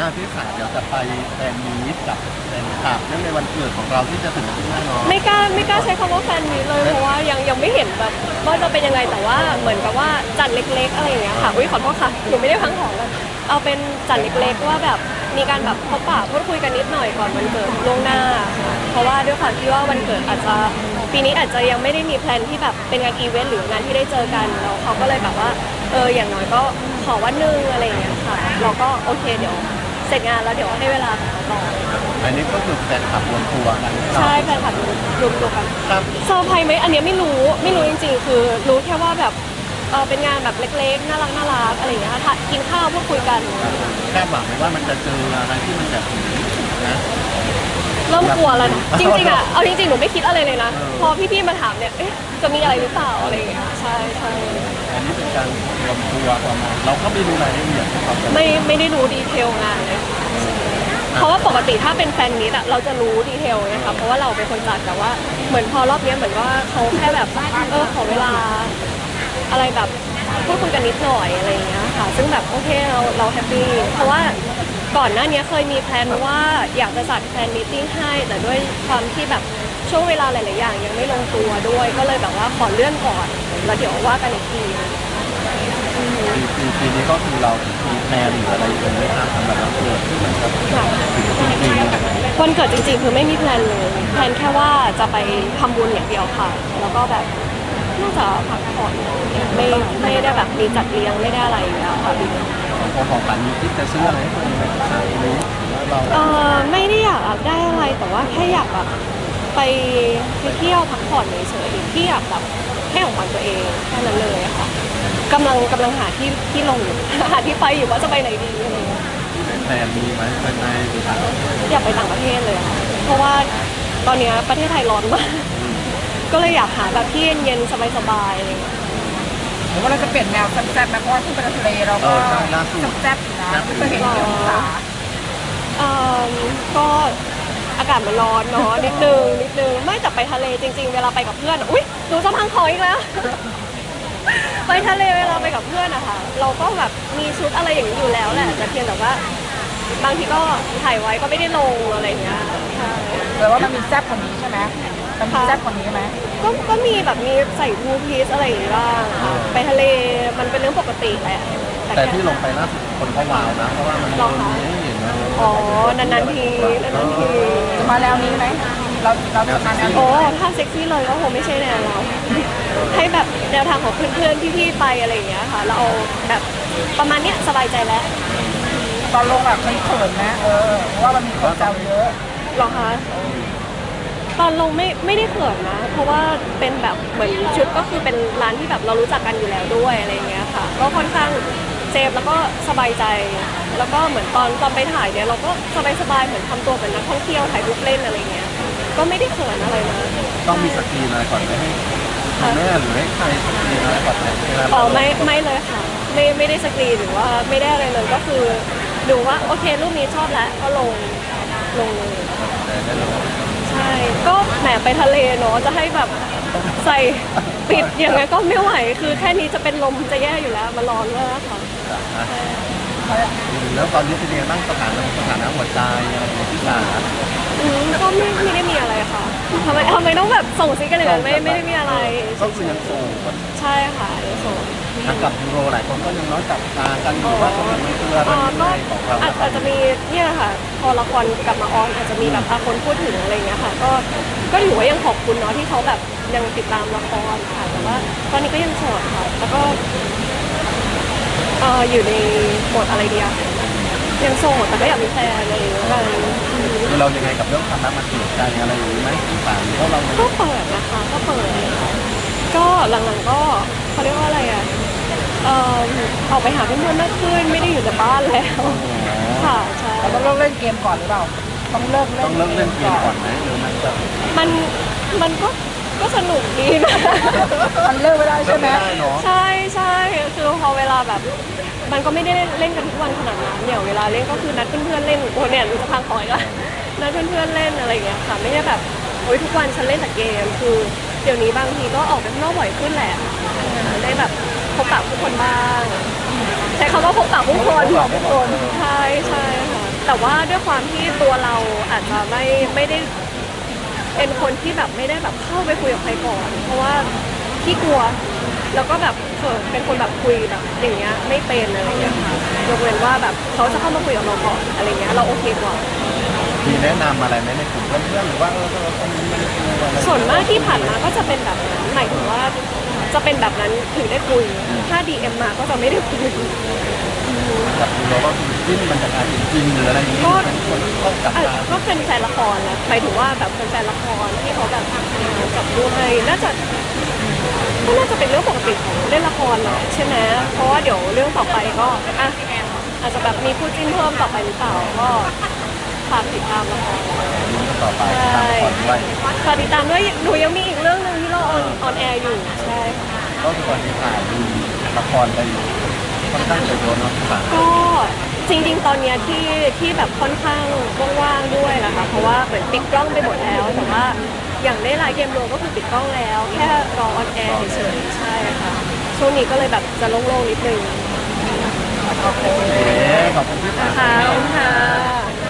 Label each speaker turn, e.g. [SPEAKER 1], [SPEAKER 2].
[SPEAKER 1] ที่สามเดี๋ยวจะไปแฟนมีตกับแฟนคลับเนื่องในวันเกิดของเราที่จะถึงที่แน่นอน
[SPEAKER 2] ไม่กล้าใช้คำว่าแฟนมีตเลยเพราะว่ายังไม่เห็นแบบว่าจะเป็นยังไงแต่ว่าเหมือนกับว่าจัดเล็กๆอะไรอย่างเงี้ยค่ะอุ้ยขอโทษค่ะหนูไม่ได้พังของกันเอาเป็นจัดเล็กๆว่าแบบมีการแบบพบปะพูดคุยกันนิดหน่อยก่อนวันเกิดล่วงหน้าค่ะเพราะว่าด้วยความที่ว่าวันเกิดอาจจะปีนี้อาจจะยังไม่ได้มีแพลนที่แบบเป็นงานอีเวนต์หรืองานที่ได้เจอกันแล้วเขาก็เลยแบบว่าอย่างน้อยก็ขอวันนึงอะไรอย่างเงี้ยค่ะเราก็โอเคเดี๋ยวเสร็จงานแล้วเดี๋ยวให้เวลาต่อ
[SPEAKER 1] อันนี้ก็คือแฟนคลับรวมตัวกัน
[SPEAKER 2] ใช่แฟนคลับรวมตัวกันเซอร์ไพรส์ไหมอันนี้ไม่รู้จริงๆคือรู้แค่ว่าแบบเป็นงานแบบเล็กๆน่ารักอะไรอย่างเงี้ยค่ะกินข้าวพูดคุยกัน
[SPEAKER 1] คาดหวังไหมว่ามันจะเจออะไรที่มันแบบนะ
[SPEAKER 2] เริ่มกลัวแล้วนะจริงๆอ่ะเอาจริงๆหนูไม่คิดอะไรเลยนะพอพี่ๆมาถามเนี่ยจะมีอะไรหรือเปล่าอะไรอย่างเงี้ยใช่
[SPEAKER 1] อันนี้เป็นการรวมตัวประมาณเราก็ไม่รู้รายละเอียด
[SPEAKER 2] ไม่ได้รู้ดีเทลงานเลยเพราะว่าปกติถ้าเป็นแฟนมิตอะเราจะรู้ดีเทลนะคะเพราะว่าเราเป็นคนจัดแต่ว่าเหมือนพอรอบนี้เหมือนว่าเขาแค่แบบขอเวลาอะไรแบบพูดคุยกันนิดหน่อยอะไรอย่างเงี้ยค่ะซึ่งแบบโอเคเราแฮปปี้เพราะว่าก่อนหน้านี้เคยมีแพลนว่าอยากจะจัดแฟนมีตติ้งให้แต่ด้วยความที่แบบช่วงเวลาหลายๆอย่างยังไม่ลงตัวด้วยก็เลยแบบว่าขอเลื่อนก่อนแล้วเดี๋ยวว่ากันอีกที
[SPEAKER 1] ปีนี้ก็คือเรามีแพลนหรืออะไรกันไหมครับสำหรับวันเกิดที่มันจะถึงจริง
[SPEAKER 2] วันเกิดจริงๆคือไม่มีแพลนเลยแพลนแค่ว่าจะไปทำบุญอย่างเดียวค่ะแล้วก็แบบน่าจะพักผ่อนไม่ได้แบบมีจัดเลี้ยงไม่ได้อะไรอย่างเงี้ยค่ะ
[SPEAKER 1] ของฝันมีคิดจะซื้ออะไรให้ตัวเองไหมนี้
[SPEAKER 2] ไม่ได้อยากได้อะไรแต่ว่าแค่อยากแบบไปเที่ยวพักผ่อนเฉยๆที่อยากแบบให้ของขวัญตัวเองแค่นั้นเลยค่ะกำลังหาที่ลงอยู่หาที่ไปอยู่ว่าจะไปไหนดีอะไรเงี้ย
[SPEAKER 1] แพลนมีไหมไปไหนหรือต่าง
[SPEAKER 2] อยากไปต่างประเทศเลยค่ะเพราะว่าตอนนี้ประเทศไทยร้อนมากก็เลยอยากหาแบบที่เย็นๆสบายๆอะไรเงี้ย
[SPEAKER 3] หรือว่าเราจะเปลี่ยนแนวแซ่บๆไหมเพราะว่าที่เป็นทะเลเราก็แซ่บอยู่นะไม่เคยเห็นที่องศา
[SPEAKER 2] ก็อากาศมันร้อนเนาะนิดนึงไม่แต่ไปทะเลจริงๆเวลาไปกับเพื่อนอุ๊ยดูจะพังคออีกแล้วไปทะเลเวลาไปกับเพื่อนอะค่ะเราก็แบบมีชุดอะไรอย่างนี้อยู่แล้วแหละแต่เพียงแต่ว่าบางทีก็ถ่ายไว้ก็ไม่ได้ลงอะไรอย่างเงี้ยใช่
[SPEAKER 3] แต่ว่ามันมีแซ่บกว่านี้ใช่ไหมมันมีแซ่บกว่านี้ไหม
[SPEAKER 2] ก็มีแบบมีใส่ทูพีซอะไรอย่างงี้บ้างค่ะไปทะเลมันเป็นเรื่องปกติแหละ
[SPEAKER 1] แต่ที่ลงไปล่าสุดคนเขาว้าวนะเพราะว่ามันไม่เห็นนะ
[SPEAKER 2] อ๋อนานๆที
[SPEAKER 3] จะมาแล้วนี้ไหมเราจะมาแนว
[SPEAKER 2] ถ้าเซ็กซี่เลยก็คงไม่ใช่แนวเราให้แบบแนวทางของเพื่อนๆพี่ๆไปอะไรอย่างเงี้ยค่ะเราเอาแบบประมาณเนี้ยสบายใจแล้ว
[SPEAKER 3] ตอนลงแบบมันเขินนะเพราะว่ามันมีคนแซวเยอะ
[SPEAKER 2] หรอคะตอนลงไม่ได้เขินนะเพราะว่าเป็นแบบเหมือนชุดก็คือเป็นร้านที่แบบเรารู้จักกันอยู่แล้วด้วยอะไรอย่างเงี้ยค่ะก็ค่อนข้างเซฟแล้วก็สบายใจแล้วก็เหมือนตอนไปถ่ายเนี่ยเราก็สบายๆเหมือนทำตัวเป็นนักท่องเที่ยวถ่ายรูปเล่นอะไรเงี้ยก็ไม่ได้เขินอะไรนะ
[SPEAKER 1] ต้องมีสกรีนอะไรก่อนไหมให้แม่หรือให้ใครสกรีนอะไรก่อนไหม
[SPEAKER 2] ไม่เลยค่ะไม่ได้สกรีนหรือว่าไม่ได้อะไรเลยก็คือดูว่าโอเครูปนี้ชอบแล้วก็ลงเลยใช่ก็แหมไปทะเลเนาะจะให้แบบใส่ปิดอย่างไงก็ไม่ไหวคือแค่นี้จะเป็นลมจะแย่อยู่แล้วมันร้อนมากค่ะ
[SPEAKER 1] แล้วตอนนี้เป็นยังไงบ้างสถานะหัวใจอะไรอย่างที่สา
[SPEAKER 2] ก็ไม่ได้มีอะไรค่ะทำไมต้องแบบส่งซิกกันอย่างนั้นไม่ได้มีอะไร
[SPEAKER 1] ก็คือยังโสด
[SPEAKER 2] ใช่ค่ะยังโสด
[SPEAKER 1] กับยูโรหลายคนก็ยังน้อยจับตากันอยู่ว่ามันคืออะไรของเรา
[SPEAKER 2] อาจจะมีเนี่ยค่ะพอละครกลับมาออนอาจจะมีแบบคนพูดถึงอะไรเงี้ยค่ะก็ถือว่ายังขอบคุณเนาะที่เขาแบบยังติดตามละครค่ะแต่ว่าตอนนี้ก็ยังโสดค่ะแล้วก็อยู่ในโหมดอะไรเดียวยังโสดแต่ก็อยากมีแฟนอะไรอย่างเงี้ย
[SPEAKER 1] คือเรายังไงกับเรื่องความรักมันเปลี่ยนใจอะไรอยู่ไหมต่างๆเพราะเรา
[SPEAKER 2] ก็เปิดนะคะก็เปิดก็หลังๆก็เขาเรียกว่าอะไรอ่ะออกไปหาเพื่อนๆมากขึ้นไม่ได้อยู่แต่บ้านแล้วค่ะใช่
[SPEAKER 3] เราต้องเล่นเกมก่อนหรือเปล่าต้องเลิกเล่น
[SPEAKER 1] เกมก่อนไหมหรือ
[SPEAKER 2] มันก็สนุกดีนะ
[SPEAKER 3] มันเลิกไม่ได้ใช่ไหม
[SPEAKER 2] ใช่คือพอเวลาแบบมันก็ไม่ได้เล่นกันทุกวันขนาดนั้นเนี่ยเวลาเล่นก็คือนัดเพื่อนๆเล่นโอ้เนี่ยรู้จะพังคอยละนัดเพื่อนๆเล่นอะไรอย่างเงี้ยค่ะไม่ใช่แบบโอ้ยทุกวันฉันเล่นแต่เกมคือเดี๋ยวนี้บางทีก็ออกไปข้างนอกบ่อยขึ้นแหละได้แบบพบปะผู้คนบ้างใช้คำว่าพบปะผู้คนใช่ค่ะแต่ว่าด้วยความที่ตัวเราอาจจะไม่ได้เป็นคนที่แบบไม่ได้แบบเข้าไปคุยกับใครก่อนเพราะว่าขี้กลัวแล้วก็แบบเป็นคนแบบคุยแบบอย่างเงี้ยไม่เป็นอะไรเงี้ยค่ะยกเว้นว่าแบบเขาจะเข้ามาคุยกับเราก่อนอะไรเงี้ยเราโอเคกว่า
[SPEAKER 1] มีแนะนำอะไรไหมในกลุ่มเพื่อนๆหรือว่าคนนี้มันกลัวอะไร
[SPEAKER 2] ส่วนมากที่ผ่านมาก็จะเป็นแบบนั้นหมายถึงว่าจะเป็นแบบนั้นถึงได้คุยถ้า DM มาก็จะไม่ได้คุย
[SPEAKER 1] กับเราก็คือจิ้นมันจะกลายเป็นจริงหรืออะไรอย่างนี้
[SPEAKER 2] ก็
[SPEAKER 1] เป็นคนต้องจับตา
[SPEAKER 2] ก็เป็นแฟนละครนะหมายถึงว่าแบบเป็นแฟนละครที่เขาแบบจับด้วยน่าจะก็น่าจะเป็นเรื่องปกติของเล่นละครแหละใช่ไหมเพราะว่าเดี๋ยวเรื่องต่อไปก็อ่ะอาจจะแบบมีคู่จิ้นเพิ่มต่อไปหรือเปล่าก็ฝากติดตามละคร
[SPEAKER 1] ต่อไปตามละครด้วย
[SPEAKER 2] ฝากติดตามด้วยหนูยังมีอีกเรื่องหนึ่งที่เราออนแอร์อยู่ใช่ค่ะ
[SPEAKER 1] ก็คือตอนนี้ถ่ายดูละครไปอยู่ค่อนข้างจะเยอะเนาะค่ะ
[SPEAKER 2] ก็จริงๆ ตอนเนี้ยที่แบบค่อนข้างว่างๆด้วยนะคะเพราะว่าเหมือนปิดกล้องไปหมดแล้วแต่ว่าอย่างได้ไลฟ์เกมโรก็คือปิดกล้องแล้ว แค่รอออนแอร์เฉยๆใช่ค่ะช่วงนี้ก็เลยแบบจะโล่งๆนิดนึง